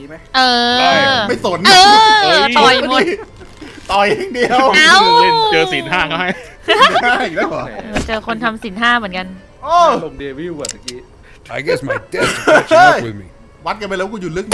ไหมเออไม่สนต่อยหมดต่อยอย่างเดียวเอ้าเล่นเจอศีลห้าก็ให้ได้อีกแล้วเหรอเจอคนทำศีลห้าเหมือนกันโอ้ลงเดวิลอะตะกี้ I guess my dad's catching up with me. วัดกันไปแล้วกูอยู่ลึก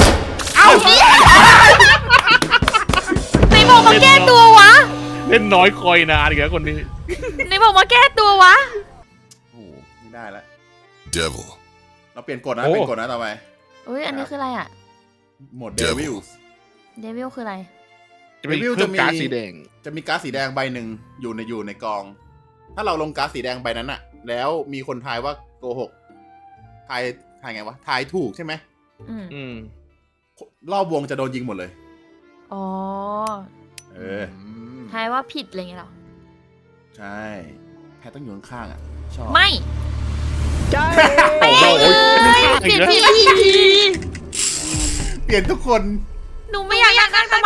ไหนบอกมาแก้ตัววะเล่นน้อยคอยนานอีกแล้วคนนี้ไหนบอกมาแก้ตัววะโอ้โหไม่ได้แล้ว Devil. เราเปลี่ยนกฎนะเปลี่ยนกฎนะต่อไปอุ้ยอันนี้คืออะไรอ่ะโหมดเดวิลเดวิลคืออะไรจะเป็น Devil เครื่องการ์ดจะมีสีแดงจะมีการ์ดสีแดงใบหนึ่งอยู่ในกอง ถ้าเราลงการ์ดสีแดงใบนั้นอะแล้วมีคนทายว่าโกหกทายไงวะทายถูกใช่ไหมอืมรอบวงจะโดนยิงหมดเลยอ๋อเออทายว่าผิดอะไรเงี้ยหรอใช่แพทต้องอยู่ข้างๆอะชอบไม่โอ้โหเปลี่ยนทีเปลี่ยนทุกคนหนูไม่อยากนั่งทำไม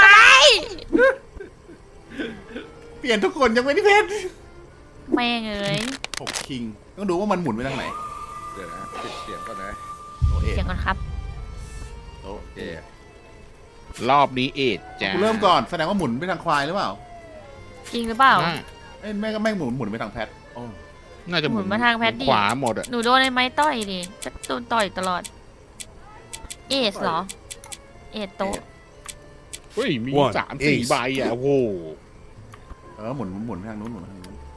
เปลี่ยนทุกคนยังไม่ได้เพชรแม่งเอ้ย 6 คิงต้องดูว่ามันหมุนไปทางไหนเดี๋ยวนะปิดเสียงก่อนนะโอเอเสียงก่อนครับโอโอเครอบนี้เอ็ดจ้ากูเริ่มก่อนแสดงว่าหมุนไปทางควายหรือเปล่าจริงหรือเปล่าเอ้ยแม่ก็ไม่หมุนไปทางแพทโอ้น่าจะหมุนมาทางแพทดิขวาหมดอ่ะหนูโดนไอ้ไม้ต่อยดิจะโดนต่อยตลอด เอสเหรอ เอสโตะเฮ้ยมี One 3-4 ace ใบอ่ะโอ้โหหมุนไปทางนู้นหมุนไปทางนู้น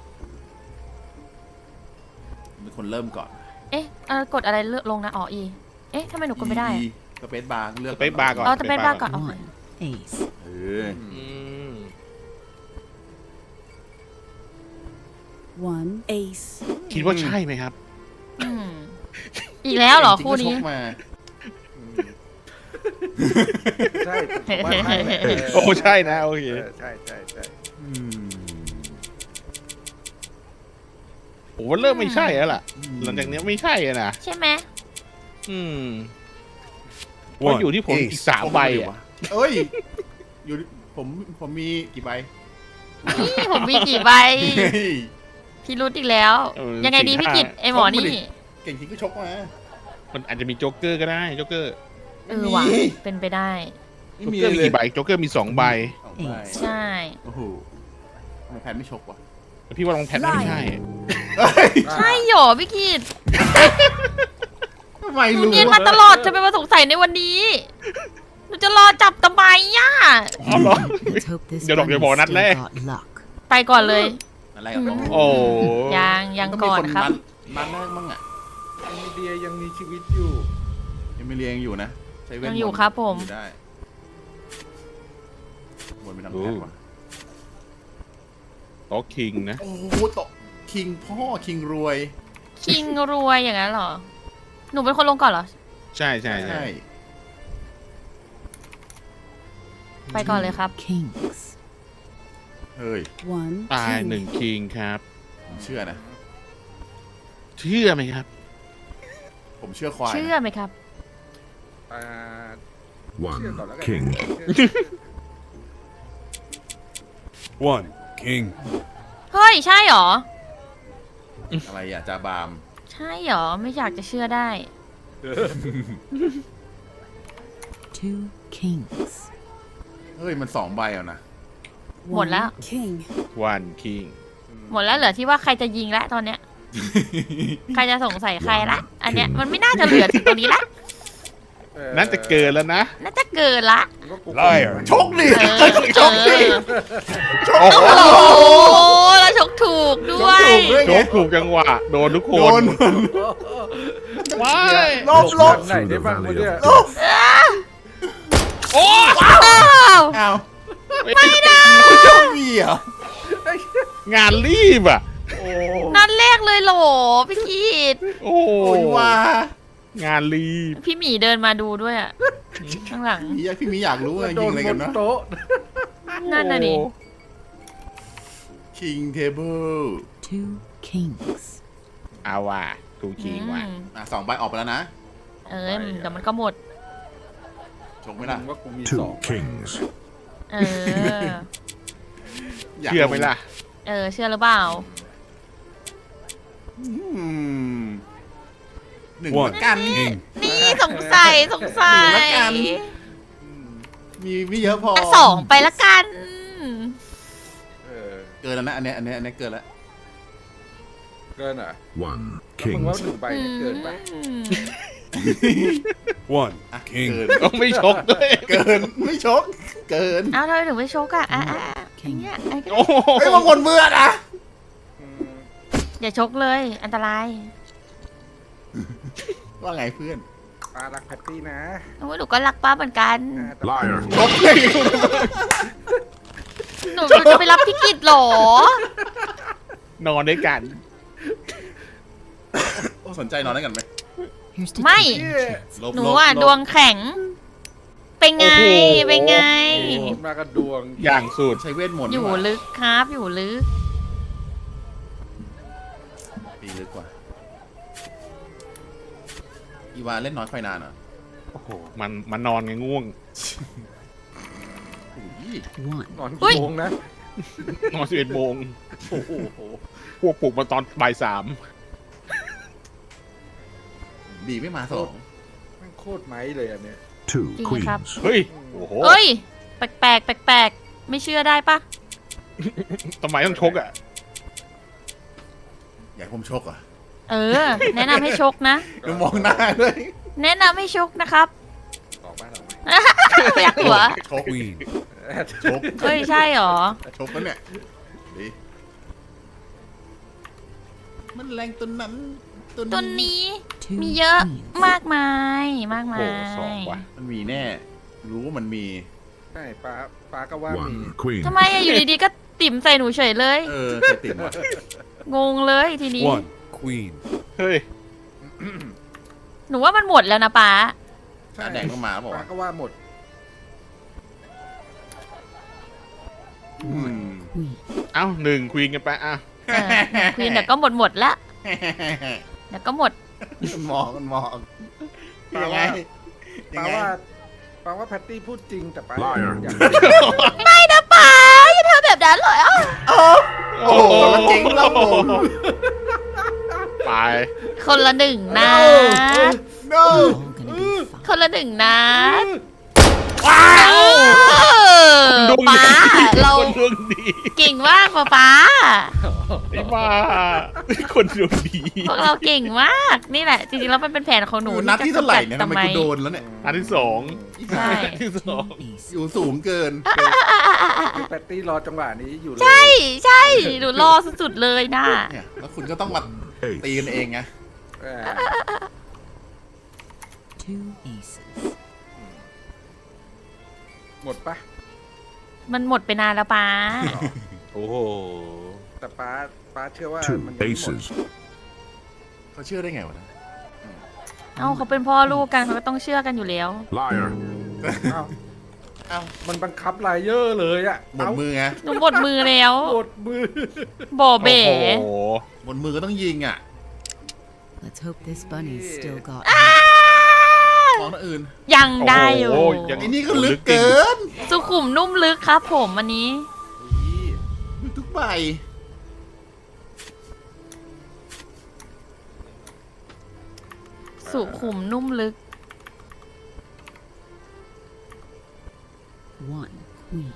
เป็นคนเริ่มก่อนเอ๊ะกดอะไรเลือกลงนะอ๋ออีเอ๊ะทำไมหนูกดไม่ได้อะสเปซบาร์เลือกสเปซบาร์ก่อนอ๋อจะเป็นบ้าก่อนโอเค Ace. เอออืม One ace. คิดว่าใช่ไหมครับอืมอีกแล้วเหรอจงๆคู่นี้ก็ชกมาใช่ผมว่าใช่แหละโอ้ใช่นะโอเคใช่ใช่ใช่อืมผมว่าเริ่มไม่ใช่แล้วล่ะ หลังจากนี้ไม่ใช่อะนะใช่ไหมอืมเพราะ One อยู่ที่ผมอีก ace. 3 ใบอ่ะเอ้ยอยู่ผมมีกี่ใบนี่ผมมีกี่ใบเฮ้ยพี่รุดอีกแล้ว ยังไงดีพี่กิตไอหมอนี่เก่งจริงก็ชกมามันอาจจะมีโจ๊กเกอร์ก็ได้โจ๊กเกอร์เออว่ะเป็นไปได้ไม่โจ๊กมีเกอร์มีเลยกี่ใบโจ๊กเกอร์มี 2 ใบสองใบใช่โอ้โหทำไมแพนไม่ชกวะแต่พี่ว่าลองแพทไม่ใช่เอ้ยใช่หรอพี่กิตทำไมหนูรู้เนียนมาตลอดจะไปมาสงสัยในวันนี้หนูจะรอจับทำไมย่ะอ๋อเหรอ Let's hope this Giờ đọc bunny về bò nát still lé. got luck. ไปก่อนเลยอะไรกับผมโอ้ยังก่อนครับมันแรกมั้งอ่ะเอมิเดียยังมีชีวิตอยู่ยังไม่เรียงอยู่นะใช้เวทยังมนต์อยู่ครับผมอยู่ได้วนไปทางแพทว่ะโต๊ะคิงนะโอ้โหตกคิงพ่อคิงรวยคิงรวยอย่างนั้นเหรอ หนูเป็นคนลงก่อนเหรอใช่ใช่ใช่ใช่ไปก่อนเลยครับ Kings. เฮ้ย One ตาย king. 1 คิงครับผมเชื่อนะเชื่อไหมครับผมเชื่อควายเชื่อไหมครับอ่า One เชื่อก่อนแล้วกัน king. เชื่อ One king. เฮ้ย ใช่เหรออะไรอ่ะจาบามใช่เหรอ ไม่อยากจะเชื่อได้ Two kings. เฮ้ยมัน2 ใบอ่ะนะหมดแล้ว One king. วันคิงหมดแล้วเหลือที่ว่าใครจะยิงแล้วตอนเนี้ย ใครจะสงสัยใครละ อันเนี้ยมันไม่น่าจะเหลือถึงตรงนี้ละน่าจะเกินแล้วนะน่าจะเกินละ Liar. ชกดิเออชกดิโอ้โหโอ้โหแล้วชกถูกด้วยชกถูกด้วยโจ๊กถูกจังหวะ โดนทุกคโดนนว้ายลบลบไหนได้บ้างวะเนี่ยลบโอ้อ้าวอ้าวไม่ได้คุณชกมีเหรองานรีบอ่ะโอ้นัดแรกเลยเหรอพี่กีดโอ้โหโอ้ยว่างานรีบพี่หมีเดินมาดูด้วยอะข้างหลังพี่มีอยากรู้ว่าโดยิงนอะไรบกันนนะโต๊ะนั่นน่ะดิคิงเทเบิล Two kings. เอาว่ะถูกคิงว่ะ 2 ใบออกไปแล้วนะเอ้ยเดี๋ยวมันก็หมดชกไหมไม่ล่ะล่ะว่ากูมี Two 2 kings. เออยากเชื่อไหมล่ะเชื่อหรือเปล่าอืม1 One กัน king. นี่สงสัยแล้วกัน 1 มีไม่เยอะพอสองไปละกันเออเกินแล้วนะอันเนี้ยเกินแล้วเกินเหรอ One มึง king. ว่าหนึ่งใบเนี่ยเกินปะ One อ่ะ king. เกินต้องไม่ชกด้วยเกินไม่ชกเกินเอาทำไมถึงไม่ชกอ่ะเนี่ยไอ้ก็โอ้โหไอ้ยบางคนเบื่อนะอืมอย่าชกเลย อันตรายว่าไงเพื่อนปลารักแพตตี้นะโอ้ยหนูก็รักป้าเหมือนกันแต่ Liar. ชกเลยหนูจะไปรับพี่กิจเหรอนอนด้วยกันโอ้สนใจนอนด้วยกันไหม Here's to Mày. two kids. ลบหนูลบอ่ะลบดวงแข็ง เป็นไงโอ้โหเป็นไงโอ้มากันดวงอย่างสุดใช้เวทมนต์อยู่ดีกว่าลึกครับอยู่ลึกดีลึกกว่าอีวาเล่นน้อยไฟนานเหรอโอ้โหมันนอนไงง่วงอุ้ย One. นอนอุ๊ยกี่โมงนะนอน11 โมงโอ้โหพวกปลุกมาตอนบ่ายดีไม่มาสองแม่งโคตรไม้เลยอันเนี้ย Two King queens. ครับ 3 เฮ้ย โอ้โหเอ้ย แปลกแปลกไม่เชื่อได้ปะทำไมต้องชกอ่ะอยากให้ผมชกเหรอ่ะเออ แนะนำให้ชกนะดูมองหน้าเลยแนะนำให้ชกนะครับออกบ้านออกไหมอยากหัวชก Queen. ชกเอ้ยใช่หรอชกแล้วเนี่ยดีมันแรงตัวนั้นตัวนี้ Two มีเยอะ queens. มากมายมากโอ้มาโหสองยว่ะมันมีแน่ รู้ว่ามันมีใช่ปลาก็ว่ามี One queen. ทำไมอะอยู่ดีๆก็ติ่มใส่หนูเฉยเลยเออใส่ติ่มว่ะงงเลยทีนี้ One queen. เฮ้ยหนูว่ามันหมดแล้วนะป้าใช่แดงต้องมาบอกปลาว่าก็ว่าหมด Queen. เอ้า1 ควีนกันไปอ่ะควีนเดี๋ยวก็หมดละเดี๋ยวก็หมดมันมองปลายังไงว่ายังไงปลาว่าแพตตี้พูดจริงแต่ปลา Liar อยากไม่นะป้าอย่าทำแบบนั้นเลยอ่ะโอ้โหแล้วเจ๊งเราผมไปคนละหนึ่งนะ no All gonna be fine. คนละหนึ่งนะเออดวงป้าดีเราคนดวงดีเก่งมากป้าไอ้บ้าคนดวงดีพวกเราเก่งมากนี่แหละ จริงๆแล้วมันเป็นแผนของหนูนัดที่เท่าไหร่เนี่ยจะทำไมกำจักูดโดนแล้วเนี่ยอันที่ 2 ใช่อันที่ Two 2 aces. อยู่สูงเกินคือแพตตี้รอจังหวะนี้อยู่เลยใช่ใช่หนูรอสุดๆเลยนะเนี่ยแล้วคุณก็ต้องมาตี Ace. กันเองไงเออ Two aces. หมดปะมันหมดไปนานแล้วป้าโอ้โหแต่ปลาเชื่อว่า Two มันยังไม่หมด aces. เขาเชื่อได้ไงวะนะเอ้าเขาเป็นพ่อลูกกันเขาก็ต้องเชื่อกันอยู่แล้ว Liar. เอ้าเอ้ามันบังคับไลเยอร์เลยอะหมดมือไงหนูหมดมือแล้วหมดมือบ่อเบ๋โอ้โหหมดมือก็ต้องยิงอ่ะ Let's hope this bunny's still got. มองหน้าอื่นยังได้อยู่โอ้โหยังไอ้นี่ก็ลึกเกินสุขุมนุ่มลึกครับผมอันนี้ลึกทุกใบสุขุมนุ่มลึก One queen.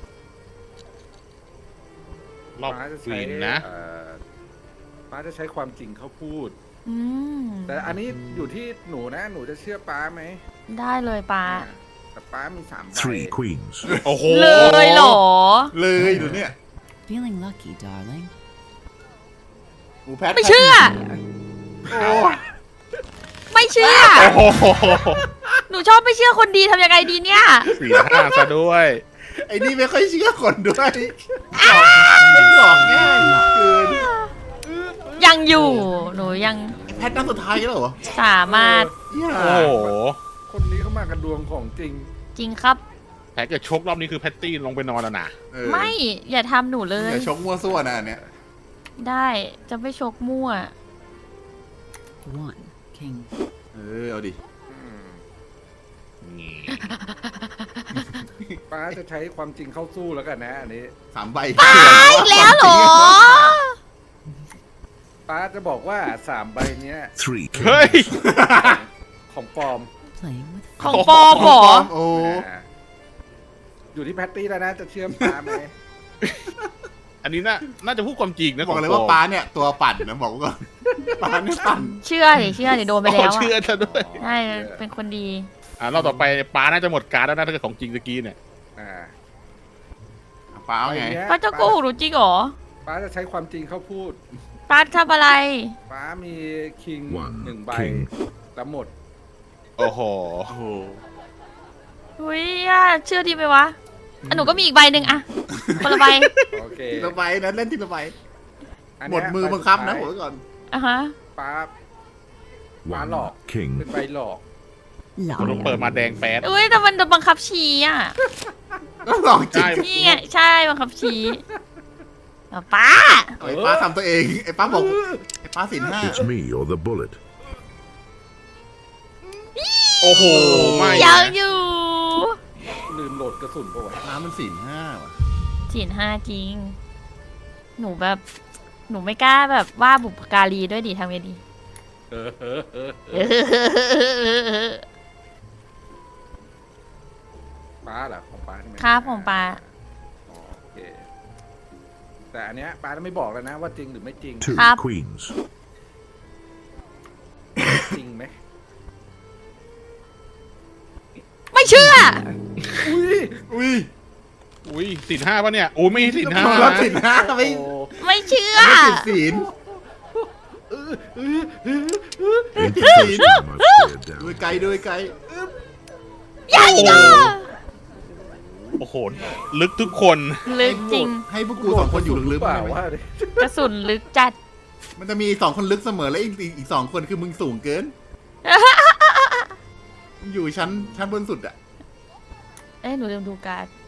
รอบป้าจะควีใช้นนะป้าจะใช้ความจริงเขาพูดอืมแต่อันนี้อยู่ที่หนูนะ หนูจะเชื่อป้าไหมได้เลยป้าแต่ป้ามี3ใบ Three queens. โอ้โหเลยเหรอเลยดูเนี่ย Feeling lucky, darling. หมูแพทไม่เชื่อโอ้ไม่เชื่อโอ้โหหนูชอบไม่เชื่อคนดีทำยังไงดีเนี่ย 4-5ซะด้วยไอ้นี่ไม่ค่อยเชื่อคนด้วยไม่หลอกง่ายเกินยังอยู่ หนูยังแพทนัดสุดท้ายแล้วเหรอสามารถอย่าโอ้โหคนนี้เขามากันดวงของจริงจริงครับแพ้เกิดชกรอบนี้คือแพตตี้ลงไปนอนแล้วนะเออไม่อย่าทำหนูเลยอย่าชกมั่วซั่วนะอันเนี่ยได้จะไม่ชกมั่ว One king. เอาดินี่ป้าจะใช้ความจริงเข้าสู้แล้วกันนะอันนี้ 3 ใบตายแล้วเหรอป้าจะบอกว่า3ใบเนี้ย Three เฮ้ย kings. ของปลอม Playing with ของปลอมเหรอโอ้อ่าอยู่ที่แพตตี้แล้วนะจะเชื่อมป้าไหมอันนี้น่าจะพูดความจริงนะบอกเลยว่าป้าเนี่ยตัวปั่นนะบอกไว้ก่อนป้าเนี่ยปั่นเชื่อดิโดนไปแล้วเชื่ออะซะด้วยใช่เป็นคนดีรอบต่อไปป้าน่าจะหมดการดแล้วนะถ้าเกิดของจริงตะกี้เนี่ยอ่าป้าเอาไงป้าจะโกหกหนูจริงเหรอป้าจะใช้ความจริงเขาพูดป้าทำอะไรป้ามีคิง One หนึ่งใบ king แล้วหมดโอ้โหโอ้โหอุ้ยอะเชื่อดีไหมวะอ่ะหนูก็มีอีกใบหนึ่งอะคนละใบโอเคทีละใบนะเล่นทีละใบอันหมเนี้ดยมือใบังคับนะสุบอกดไว้ก่อนอ่ะฮะท้ายป้า One หลอก king. เป็นใบหลอกมันต้องเปิดมาแดงแป๊ดอุ้ยแต่มันโดนบังคับชี้อะก็ลองจริงใช่นี่ไงใช่บังคับชี้เอาป้าไอ้ป้าทำตัวเองไอ้ป้าบอกไอ้ป้าสินห้า It's me or the bullet. โอ้โหไม่ยังนะอยู่ลืมโหลดกระสุนปะวะน้ำมันสินห้าว่ะจีนห้าจริง หนูแบบ หนูไม่กล้าแบบว่าบุพการีด้วยดิทำไงดีป้าเหรอของป้าใช่ไหมครับของป้าอ๋อโอเคแต่อันเนี้ยป้าไม่บอกแล้วนะว่าจริงหรือไม่จริง Two Up. queens. จริงไหมไม่เชื่ออุ้ยอุ้ยอุ้ยสินห้าป่ะเนี่ยโอ้ไม่ใช่สินห้าเรานะสินห้าไม่โอ้ไม่เชื่อไม่ติดศีล Ain't the first time I've stared ดู down. ไกลดูไกลยังอีกอ่ะโอ้โหลึกทุกคนลึกจริงให้พวกกูสองคนอยู่ลึกเปๆล่าได้ไหมว่าดิกระสุนลึกจัดมันจะมีสองคนลึกเสมอแล้วอีกสองคนคือมึงสูงเกินมึงอยู่ชั้นบนสุดอะเอ้ยหนูลืมดูการ์ด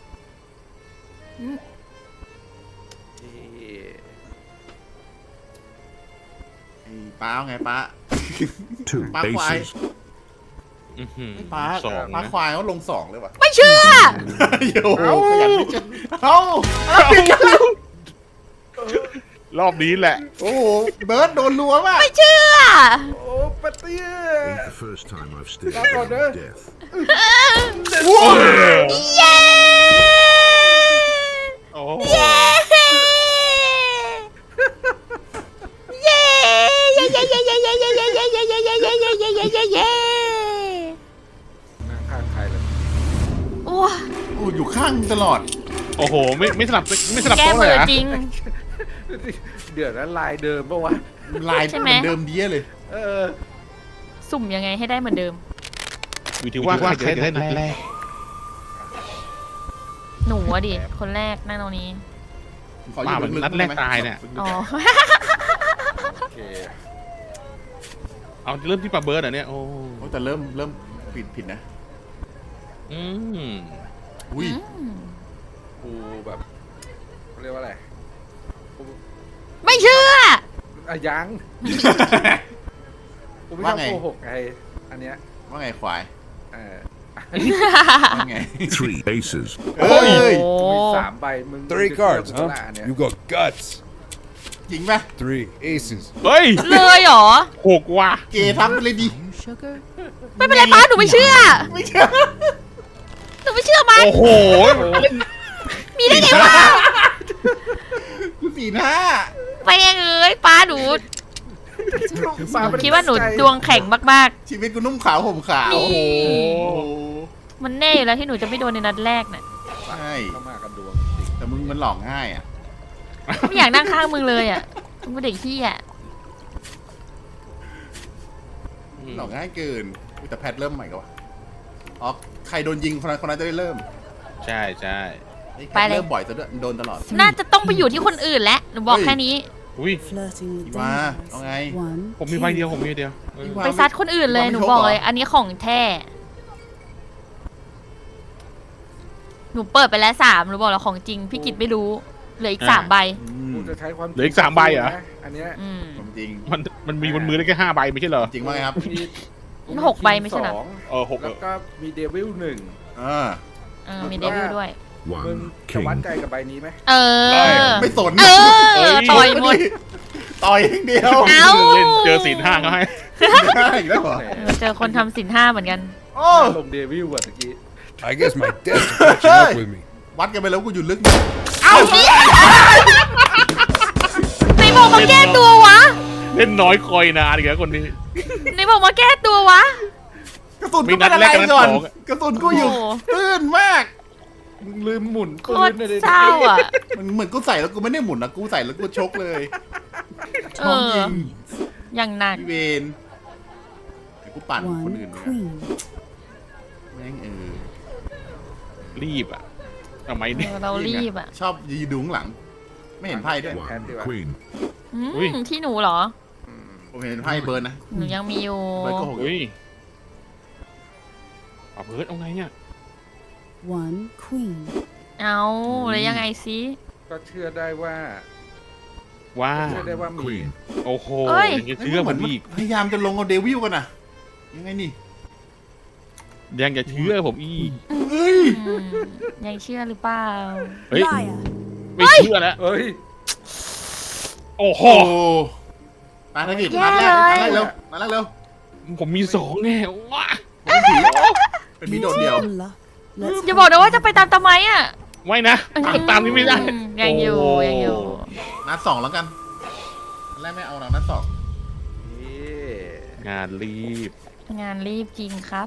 ไอ้ป้าเอาไงป้า Two Bye bye. aces. อื้อหือป้าสองป้านะควายเขาลงสองเลยว่ะไม่เชื่อโอ้โหขยันไม่เจอเอ้ารอบนี้แหละโอ้โหเบิร์ดโดนรัวมากไม่เชื่อโอ้ปะเตี้ย Ain't the first time I've stared That's all down there. death. เย้โอ้เย้เย้เย้เย้เย้เย้เย้เย้เย้เย้เย้เย้เย้เย้เย้เย้เย้เย้นั่งข้างใครเลยโอ้โอ้อยู่ข้างตลอดโอ้โหไม่สลับแก้โต๊ะมืเลยออะจริง Oh. เดี๋ยวนั้นลายเดิมปะวะลายใช่เหไหมมือนเดิมเดี้ยเลยเออสุ่มยังไงให้ได้เหมือนเดิมอยู่ที่ว่าใครจะได้นัดแรกหนูอะดิ คนแรกนั่งตรงนี้ขออยู่ว่ามันลึกๆนัดแรกได้ไหมตายเนี่ยอ๋อโอเคเอาเริ่มที่ปลาเบิร์ดเหรอเนี่ยโอ้โอ้แต่เริ่มผิดนะอืมอุ้ยกูแบบเขาเรียกว่าอะไรกูไม่เชื่ออ่ะยังกูไม่ชว่าอบไงโกหกไงอันเนี้ยว่าไงควายเออว่าไง Three aces. เอ้ยโอ้กูมีสามใบมึง Three จะเชื่อ cards, กูปะล่ะ huh? อันเนี้ย You got guts. จริงปะ Three aces. เฮ้ยเลยเหรอหกว่ะเกทำไปเลยดิ Sugar? ไม่เป็นไรป้าหนูไม่เชื่อไม่เชื่อหนูไม่เชื่อมันโอ้โหมีได้ไงวะกูสีหน้าไปเองเอ้ยป้าหนูป้ไม่ไคิดว่าหนูใจดวงแข็งมากชีวิตกูนุ่มขาวห่มขาวนี่โอ้โหๆ มันแน่อยู่แล้วที่หนูจะไม่โดนในนัดแรกน่ะใช่เข้ามากันดวงจริงแต่มึงมันหลอกง่ายอ่ะไม่อยากนั่งข้างมึงเลยอ่ะมึงเป็นเด็กขี้อ่ะหลอกง่ายเกินอุ๊ยแต่แพทเริ่มใหม่ก็วะอ๋อใครโดนยิงคนนั้นจะได้เริ่มใช่ใช่ไอ้แพไปทเลยเริ่มบ่อยซะด้วยโดนตลอดน่าจะต้องไปอยู่ที่คนอื่นแล้วหนูบอกแค่นี้อุ้ย Flirting with อีวา dangerous. เอาไง One ผมมีใบ king. เดียวผมมีใบเดียวเอออีวาไปซัดคนอื่นเลยหนูบอกเลย อันนี้ของแท้ หนูเปิดไปแล้ว3หนูบอกแล้วของจริง พี่กิตไม่รู้ เหลืออีก3ใบอืมกูจะใช้ความเหลืออีก3ใบเหรอนะอันเนี้ยอืมผมจริงมันมีบนมือได้แค่5ใบไม่ใช่เหรอจริงว่าไงครับมีกูหกใบไม่ใช่เหรอสองหกแล้วก็มีเดวิลหนึ่งอ่ามีเดวิลด้วยมึง One จะวัด king. ใจกับใบนี้ไหมเออไม่สนเออ ต่อยหมดต่อยอย่างเดียวเอ้าเล่นเจอศีลห้าเขาให้ได้อีกแล้วเหรอแหมเจอคนทำศีลห้าเหมือนกันโอ้ลงเดวิลอะตะกี้ I guess my debts are catching up with me. วัดกันไปแล้วกูอยู่ลึกไหนบอกมาแก้ตัววะเล่นน้อยคอยนานอีกแล้วคนนี้ไหนบอกมาแก้ตัววะกระสุนกูเป็นอะไรก่อนกระสุนกูอยู่โอ้ตื้นมากมึงลืมหมุนโคปืตนรเลยเศร้าอ่ะมันเหมือนกูใส่แล้วกูไม่ได้หมุนนะกูใส่แล้วกูชกเลยเออ อย่างหนักพี่เวนเดี๋ยวกูปั่นคนอื่น One เนี่ย queen. แม่งรีบอ่ะทำไมเอเนี่ยอเรารีบอ่ะชอบยืนดูข้างหลัง ไม่เห็นไพ่ด้วย One queen. อืมที่หนูเหรอผมเห็นไพ่เบิร์นนะหนูยังมีอยู่เบิร์นก็หกอุ้ยเอาเบิร์ดเอาไงเนี่ย One queen. เอาแล้วยังไงซิก็เชื่อได้ว่าว่าเชื่อได้ว่ามี Queen. โอ้โหเอ้ยยังจะเชื่อเหผมือนมมันอีกพยายามจะลงเอาเดวิลกันนะยังไงนี่ยังจะเชื่อผมอีกเฮ้ยอืมยังเชื่อหรือเปล่าเฮ้ยไม่เชื่อแล้วเอ้ยโอ้โหโอ้มาธกิจนัดแรกนัดแรกเร็วนัดแรกเร็วผมมี2แน่ว้าผมเป็นผีโดดเดี่ยว In luck. Let's อย่าบอกนะว่าจะไปตามตะไมอ่ะไม่นะตามนี้ไม่ได้ยังอยู่โยังอยู่นัดสองแล้วกันนัดแรกไม่เอาหรอกนัดสองนี่งานรีบงานรีบจริงครับ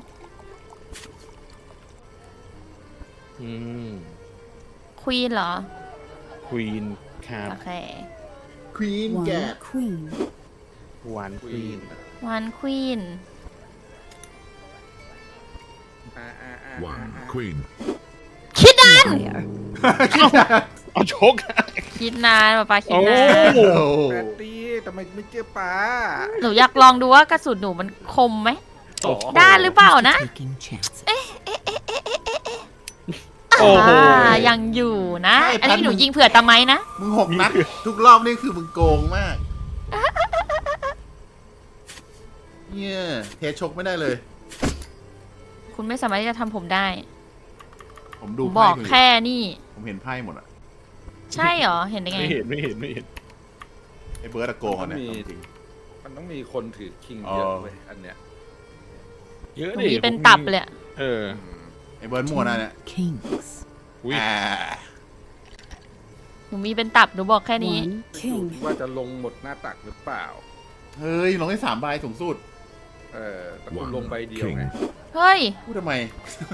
อืมควีนเหรอควีนครับโอเคควีนแก one queen. วันควีนวันควีน One queen. คิดนานเอาชกคิดนานป้าคิดโอ้นานโอ้แปตตี้ทำไมไม่เจอป้าหนูอยากลองดูว่ากระสุนหนูมันคมไหมโอ้โหได้หรือเปล่านะ Taking chances. โอ้โหยังอยู่นะ อันนี้หนูยิงเผื่อตะไมนะมึง6 นัด ทุกรอบนี่คือมึงโกงมากเนี่ยเทชกไม่ได้เลยคุณไม่สามารถที่จะทำผมได้ผมดูบไพ่อกคุณอยู่แค่นี่ผมเห็นไพ่หมดอ่ะใช่เหรอ เห็นได้ไงไม่เห็นไม่เห็นไม่เห็นไอ้เบิร์ดอะโกงอ่ะเนี่ยเอาจริงมันต้องมีคนถือคิงอ๋อเยอะเว้ยอันเนี้ยเยอะหนูดิมีเป็นตับเลยอะเออไอ้เบิร์ดมั่วนะเนี่ย Kings. อุ้ยอ่าหนูมีเป็นตับ หนูบอกแค่นี้ One อยู่ king. ที่ว่าจะลงหมดหน้าตักหรือเปล่าเฮ้ยลงได้3 ใบสูงสุดแต่คุณลงใบเดียวไงเฮ้ยพูดทำไม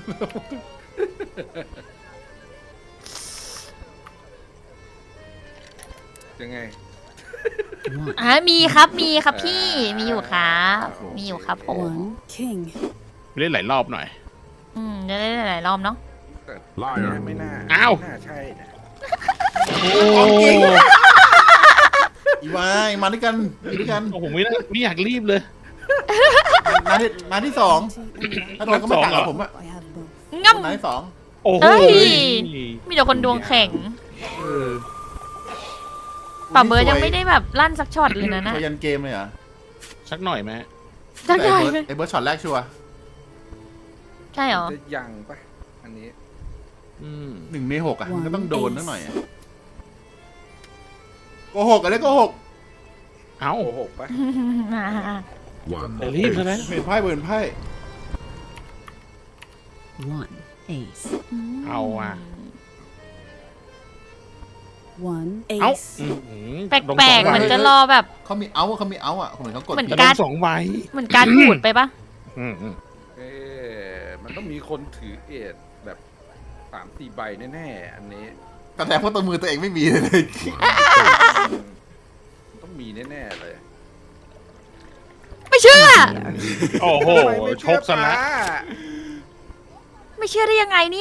ยังไง One. มีครับมีครับพี่ มีอยู่ครับมีอยู่ครับผม One king. เล่นหลายรอบหน่อยจะได้หลายรอบเนาะแต่ Liar ไม่น่าอ้าวไม่น่าใช่นะของจริง อีวายมาด้วยกันมาด้วยกันโอ้โหไม่อยากรีบเลยมาที่ 2 ถ้าโดนก็ไม่ต่างกับผมอะ I have both. งั้มมาที่โอ้โหเอ้ย มีแต่คนดวงแข็ง 2 ป่าเบิร์ดยังไม่ได้แบบลั่นสักช็อตเลยนะโชว์ยันเกมเลยเหรอสักหน่อยไหมจังแต่ไงไอ้เบิร์ดช็อตแรกชัวร์ใช่เหรอจะยังปะอันนี้อืม 1 ใน 6 อ่ะ มันก็ต้องโดนนิดหน่อยอะโกหกอะไรโกหกเอ้าโกหกปะ One แต่รีบใช่ไหม ace. เห็นไพ่เบิร์นไพ่ One ace. เอาอ่ะ One เอ้า ace. แปลกๆ มันจะรอแบบเขามีเอาอ่ะเหมือนเขากดเหมือนผิดกาการ ร 2 ใบเหมือนการขูดไปปะอืมมันต้องมีคนถือเอทแบบ3-4 ใบแน่ๆอันนี้แต่เพราะตัวมือตัวเองไม่มีเลยมันต้องมีแน่ๆเลยไม่เชื่อโอ้โหทำไมไม่ชเชื่อกซะละป้าไม่เชื่อได้ยังไงเนี่ย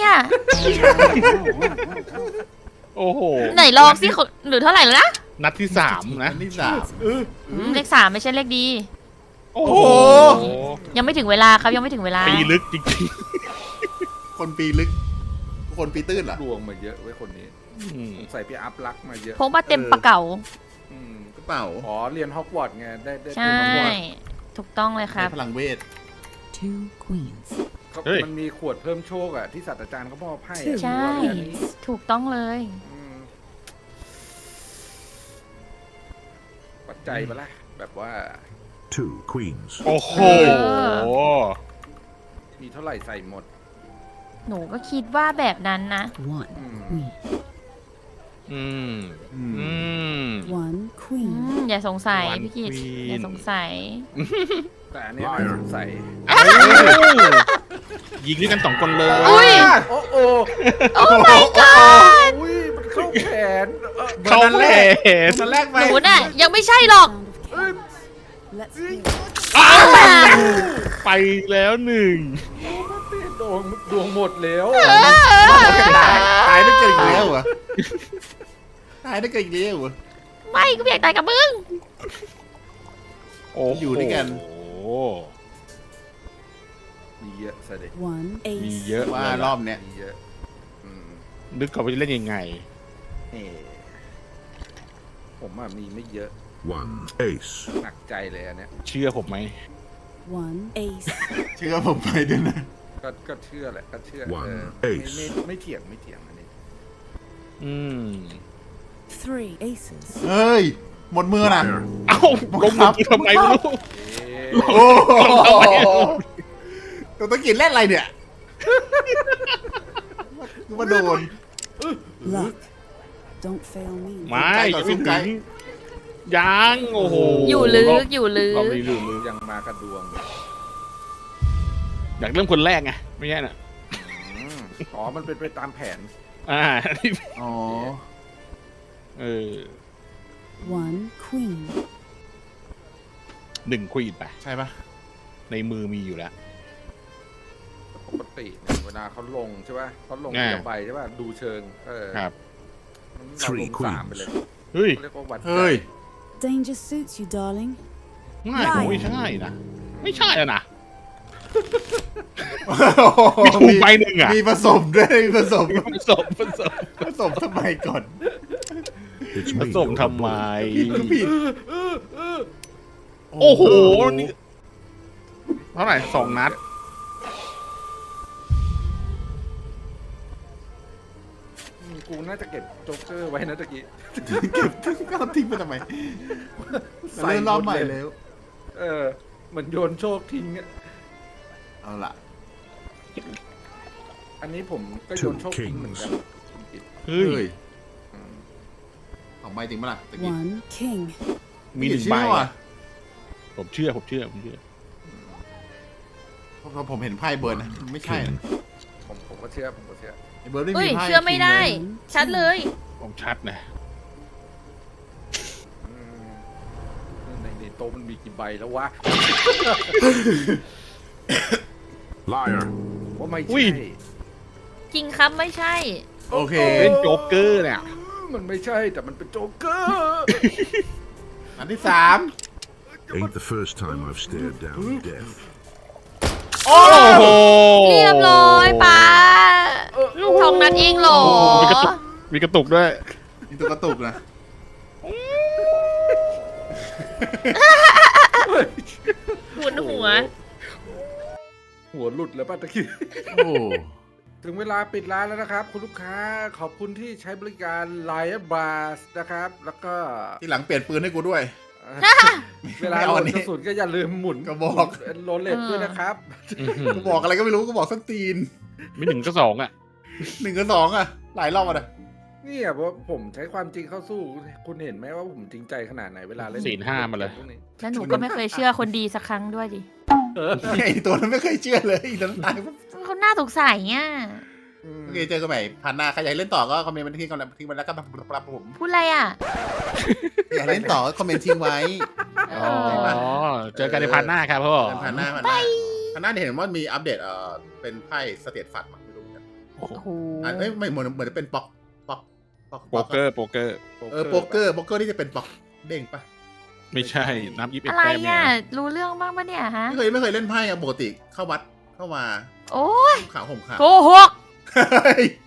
โอ้โหไหนลองสิหรือเท่าไหร่แล้วนะนัดที่ 3 นะอันที่เลข 3 ไม่ใช่เลขดีโอ้โหยังไม่ถึงเวลาครับยังไม่ถึงเวลาปีลึกจริง 3 คนปีลึก คนปีตื้นเหรอดวงมาเยอะไว้ยคนนี้ๆอืมสงสัยพี่อัพรักมาเยอะพกมาเต็มปะเก๋าอืมกระเป๋าอ๋อเรียนฮอกวอตส์ไงได้ใช่ ถูกต้องเลยครับพลังเวท Two queens. เขาเฮ้ยมันมีขวดเพิ่มโชคอ่ะที่ศาสตราจารย์เขามอบให้ Two อะใช่อันนี้ถูกต้องเลยอืมปัจจัยปะล่ะแบบว่า Two queens. โอ้โหเออมีเท่าไหร่ใส่หมดหนูก็คิดว่าแบบนั้นนะ One อืม queen. อืมอืมอืม One อื queen. มอย่าสงสัย One พี่กิต queen อย่าสงสัยแต่อันเนี้ยน่าสงสัยยิงด้วยกัน2 คนเลยอุ้ยโอ้โหโอ้ my god อุ้ยมันเข้าแขนเข้าแผนตอนแรกไปหนูน่ะยังไม่ใช่หรอก Sound of chaos. Let's hear. ไปแล้ว1 ดวงหมดแล้วตายได้เกินอีกแล้วเหรอตายได้เกินอีกแล้วเหรอไม่ก็ไม่อยากตายกับมึงโอ้โหอยู่ด้วยกันมีเยอะเสด็จ One มี ace. เยอะว่ารอบเนี้ยมีเยอะอืมนึกก่อนว่าจะเล่นยังไงเอ่ผมอะมีไม่เยอะ One ace. หนักใจเลยอันเนี้ยเชื่อผมไหม One ace. เชื่อผมไปด้วยนะก็เชื่อแหละก็เชื่อ One ไม่เถียงอันนี้อืม Three aces. เฮ้ย หมดมือนะ Liar. เอ้าลงมือทำไมไม่รู้โอ้โหตัวตะกินเล่นอะไรเนี่ยมาโดน Luck. Don't fail me. ไม่ไกลต่อยังสู้ไม่ไกลถึงยังโอ้โหอยู่ลึกอยู่ลึรอบกนี้ลึกยังมากระดวงอยากเริ่มคนแรกไงไม่ใช่น่ะอืมอ๋อมันเป็นไปตามแผนอ่าอ๋อเออ One queen. 1 ควีนไปใช่ปะในมือมีอยู่แล้วปกติเนี่ยเวลาเขาลงใช่ป่ะเขาลงอ่าเดียวใบใช่ป่ะดูเชิงครับเราลง3ไปเลยเฮ้ยเขาเรียกว่าวัดใจเฮ้ย Danger suits you, darling. ง่ายผมไม่ใช่นะไม่ใช่แล้วนะมีถูกไปหนึ่งอ่ะมีผสมด้วยมีผสมผสมผสมทำไมก่อน It's ผ me. สมทำไมผิดโอ้โหนี่เท่าไหร่2 นัดกูน่าจะเก็บโจ๊กเกอร์ไว้นะตะกี้เก็บก็ทิ้งไปทำไมเริ่มรอบใหม่แล้วเหมือนโยนโชคทิ้งอะเอาล่ะอันนี้ผมก็โยนโชคทิ้งเหมือนกันเฮ้ยอืมเอาใบจริงปะล่ะตะกี้ One king. มี1 เชื่ใบอว่ะอะผมเชื่อเพราะผมเห็นไพ่เบิร์นนะไม่ใช่นะผมก็เชื่อไอ้เบิร์นไม่เฮ้มียไพ่เชื่อไม่ได้คิงเลยชัดเลยผมชัดนะอืมในโต๊ะมันมีกี่ใบแล้ววะ Liar. ว่าไม่อุ้ใช่ยจริงครับไม่ใช่โอเคเล่นโจ๊กเกอร์เนี่ยมันไม่ใช่แต่มันเป็นโจ๊กเกอร์อันที่ Ain't the first time I've stared down death. โอ้โหเรียบร้อยป้าทองนั้นเองเหรอมีกระตุกด้วย 3นี่ตัวกระตุกนะหมุนหัวหัวหลุดแล้วป้าตะกี้โอ้ถึงเวลาปิดร้านแล้วนะครับ คุณลูกค้าขอบคุณที่ใช้บริการ Lion Bars นะครับ แล้วก็ที่หลังเปลี่ยนปืนให้กูด้วยเวลาไม่โหลเอาอัดนนี้กระสุนก็อย่าลืมหมุนกระบอกโรลเลตด้วยนะครับกูบอกอะไรก็ไม่รู้กูบอกส้นตีนมี1 ก็ 2อ่ะ 1 กับ 2อ่ะ หลายรอบอ่ะเนี่ยเพราะผมใช้ความจริงเข้าสู้ คุณเห็นไหมว่าผมจริงใจขนาดไหนเวลาเล่นศีลห้ามาเลยพวกนี้แล้วหนูก็ไม่เคยเชื่อคนดีสักครั้งด้วยดิไอ้ตัวนั้นไม่เคยเชื่อเลยอีกตัวนั้นตายปุ๊บเขาน่าสงสัยอ่ะอืมโอเคเจอกันใหม่ผ่านหน้าใครอยากเล่นต่อก็คอมเมนต์มาที่ก่อนทิ้งไว้แล้วก็ปรับผมพูดอะไรอ่ะอยากเล่นต่อก็คอมเมนต์ทิ้งไว้อ๋อ เจอกันในพาร์ทหน้าครับพ่อผ่านหน้าผ่านหน้าเห็นว่ามีอัปเดตเป็นไพ่สเตตฟัดมั้งไม่รู้เหมือนกันโอ้โหเอ้ยไม่เหมือนจะเป็นป๊อกโป๊กเกอร์โป๊กเกอร์ที่จะเป็นป๊อกเด้งปะไม่ใช่นับ21 อะไรแต้มเนี่ยอ่ะ รู้เรื่องบ้างปะเนี่ยฮะไม่เคยเล่นไพ่อะปกติเข้าวัดเข้ามาโอ้ยขาวห่มขาวโกหกเฮ้ย